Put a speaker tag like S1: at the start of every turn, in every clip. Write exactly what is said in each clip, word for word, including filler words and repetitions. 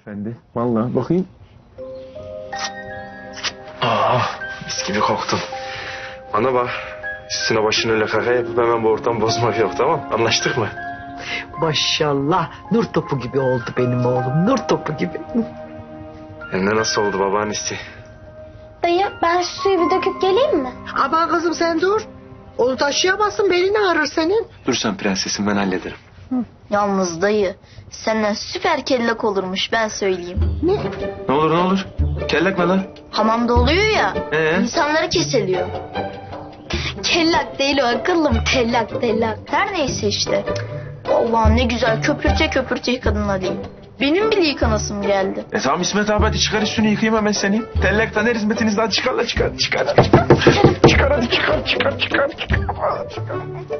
S1: hanımefendi. Vallahi bakayım. Aa, mis gibi koktun. Bana bak. Üstüne başını öyle kaka yapıp hemen bu ortamı bozmak yok, tamam? Anlaştık mı?
S2: Maşallah nur topu gibi oldu benim oğlum, nur topu gibi.
S1: Hem de nasıl oldu babaannesi?
S3: Dayı ben şu suyu bir döküp geleyim mi?
S2: Aman kızım sen dur. Onu taşıyamazsın, belini ağrır senin.
S1: Dur sen prensesim, ben hallederim.
S4: Yalnız dayı senden süper kellek olurmuş ben söyleyeyim.
S2: Ne?
S1: Ne olur ne olur. Kellek mi lan?
S4: Hamamda oluyor ya
S1: Ee?
S4: insanları kesiliyor. Kellak değil o akıllım tellak tellak. Her neyse işte. Allah'ım ne güzel köpürte köpürte yıkadın diyeyim. Benim bile yıkanasım geldi.
S1: E tamam İsmet abi, hadi çıkar üstünü, yıkayayım hemen seni. Tellekten her hizmetinizden çıkar la çıkar. Çıkar çıkar. Çıkar hadi çıkar çıkar çıkar. Çıkar. Çıkar.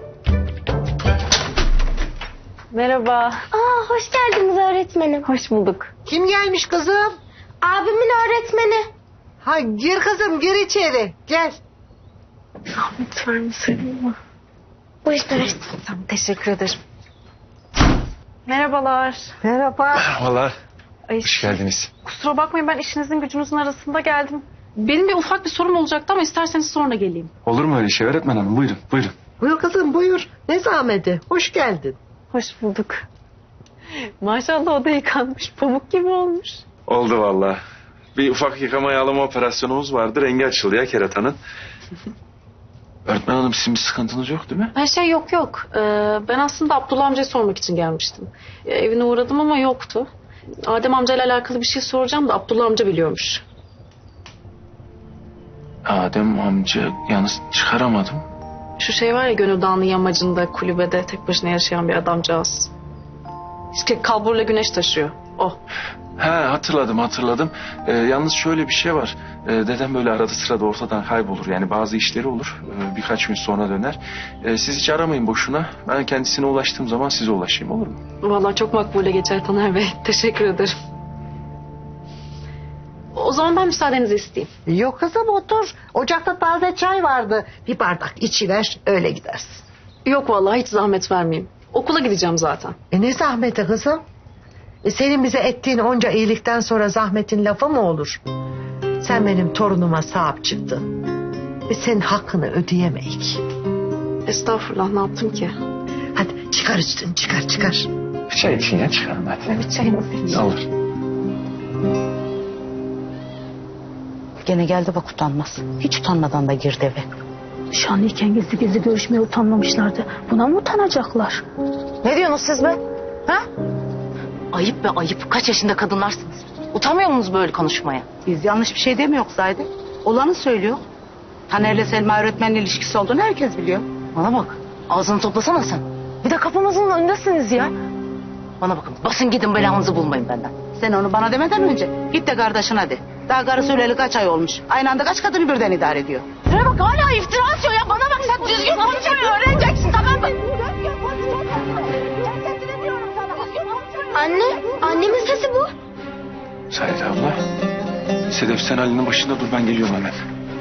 S5: Merhaba.
S3: Aa hoş geldiniz öğretmenim.
S5: Hoş bulduk.
S2: Kim gelmiş kızım?
S3: Abimin öğretmeni.
S2: Ha gir kızım, gir içeri, gel.
S5: Zahmet vermeseydin mi?
S3: Buyurun öğretmenim.
S5: Tamam, teşekkür ederim. Merhabalar.
S2: Merhaba.
S1: Merhabalar.
S5: Ay,
S1: Hoş geldiniz.
S5: kusura bakmayın, ben işinizin gücünüzün arasında geldim. Benim bir ufak bir sorum olacaktı ama isterseniz sonra geleyim.
S1: Olur mu öyle şey öğretmen hanım? Buyurun buyurun.
S2: Buyur kızım, buyur. Ne zahmeti, hoş geldin.
S5: Hoş bulduk. Maşallah o da yıkanmış. Pamuk gibi olmuş.
S1: Oldu vallahi. Bir ufak yıkama yağlama operasyonumuz vardı. Rengi açıldı ya keratanın. Öğretmen hanım, sizin bir sıkıntınız yok değil mi?
S5: Her şey yok yok. Ee, ben aslında Abdullah amcayı sormak için gelmiştim. Ee, evine uğradım ama yoktu. Adem amcayla alakalı bir şey soracağım da Abdullah amca biliyormuş.
S1: Adem amca yalnız çıkaramadım.
S5: Şu şey var ya, Gönül Dağı'nın yamacında kulübede tek başına yaşayan bir adamcağız. İşte kalburla güneş taşıyor. O.
S1: He, hatırladım hatırladım. Ee, yalnız şöyle bir şey var. Ee, dedem böyle arada sırada ortadan kaybolur. Yani bazı işleri olur. Ee, birkaç gün sonra döner. Ee, siz hiç aramayın boşuna. Ben kendisine ulaştığım zaman size ulaşayım, olur mu?
S5: Vallahi çok makbule geçer Taner Bey. Teşekkür ederim. O zaman ben müsaadenizi isteyeyim.
S2: Yok kızım, otur. Ocakta taze çay vardı. Bir bardak içiver, öyle gidersin.
S5: Yok vallahi hiç zahmet vermeyeyim. Okula gideceğim zaten.
S2: E ne zahmeti kızım? E senin bize ettiğin onca iyilikten sonra zahmetin lafı mı olur? Sen benim torunuma sahip çıktın. Ve senin hakkını ödeyemeyik.
S5: Estağfurullah, ne yaptım ki?
S2: Hadi çıkar üstünü, çıkar çıkar.
S1: Bir çay için ya, çıkarım hadi.
S5: Bir çayımı
S1: Ne olur.
S6: Gene geldi bak, utanmaz. Hiç utanmadan da girdi eve.
S7: Nişanlıyken gizli gizli görüşmeye utanmamışlardı. Buna mı utanacaklar?
S6: Ne diyorsunuz siz be? Ha? Ayıp be ayıp. Kaç yaşında kadınlarsınız? Utanmıyor musunuz böyle konuşmaya? Biz yanlış bir şey demiyoruz Zahide. Olanı söylüyor. Taner'le Selma öğretmenle ilişkisi olduğunu herkes biliyor. Bana bak. Ağzını toplasana sen. Bir de kapımızın önündesiniz ya. Bana bakın. Basın gidin, belanızı bulmayın benden. Sen onu bana demeden önce git de kardeşine de. Daha karısı öleli kaç ay olmuş. Aynı anda kaç kadını birden idare ediyor. Şuraya bak, hala iftira atıyor ya. Bana bak, sen düzgün konuşmayı öğreneceksin, tamam mı?
S3: Anne, annemin sesi bu.
S1: Saide abla. Sedef, sen Ali'nin başında dur, ben geliyorum hemen.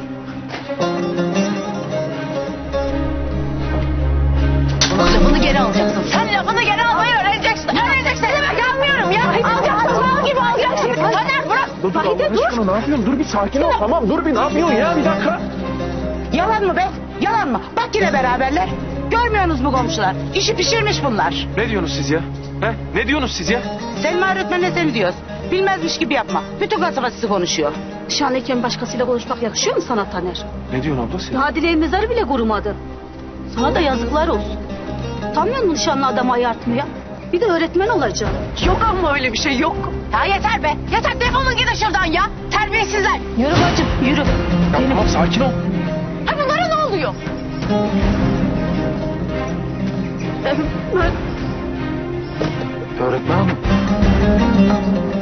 S6: Bak, lafını geri alacaksın. Sen lafını geri almayı öğreneceksin. Öğreneceksin. Ne demek, yapmıyorum ya. Alacaksın. Mal gibi alacaksın. Taner bırak.
S1: Dur dur Allah aşkına, ne yapıyorsun? Dur bir sakin ol, tamam dur bir, ne yapıyorsun ya, bir dakika.
S6: Yalan mı be? Yalan mı? Bak yine beraberler. Görmüyorsunuz mu komşular? İşi pişirmiş bunlar.
S1: Ne diyorsunuz siz ya? He? Ne diyorsunuz siz ya?
S6: Selma öğretmenle seni diyoruz. Bilmezmiş gibi yapma. Bütün kasaba sizi konuşuyor.
S7: Nişanlıyken başkasıyla konuşmak yakışıyor mu sana Taner?
S1: Ne diyorsun abla sen?
S7: Daha dileğin mezarı bile kurumadın. Sana da yazıklar olsun. Utanmıyor musun nişanlı adamı ayartmaya? Bir de öğretmen olacak.
S5: Yok ama öyle bir şey yok.
S6: Ya yeter be. Yeter, defolun gidin şuradan ya. Terbiyesizler.
S7: Yürü bacım yürü.
S1: Ya tamam, sakin ol.
S6: Ha, bunlara ne oluyor?
S1: Öğretmen hanım.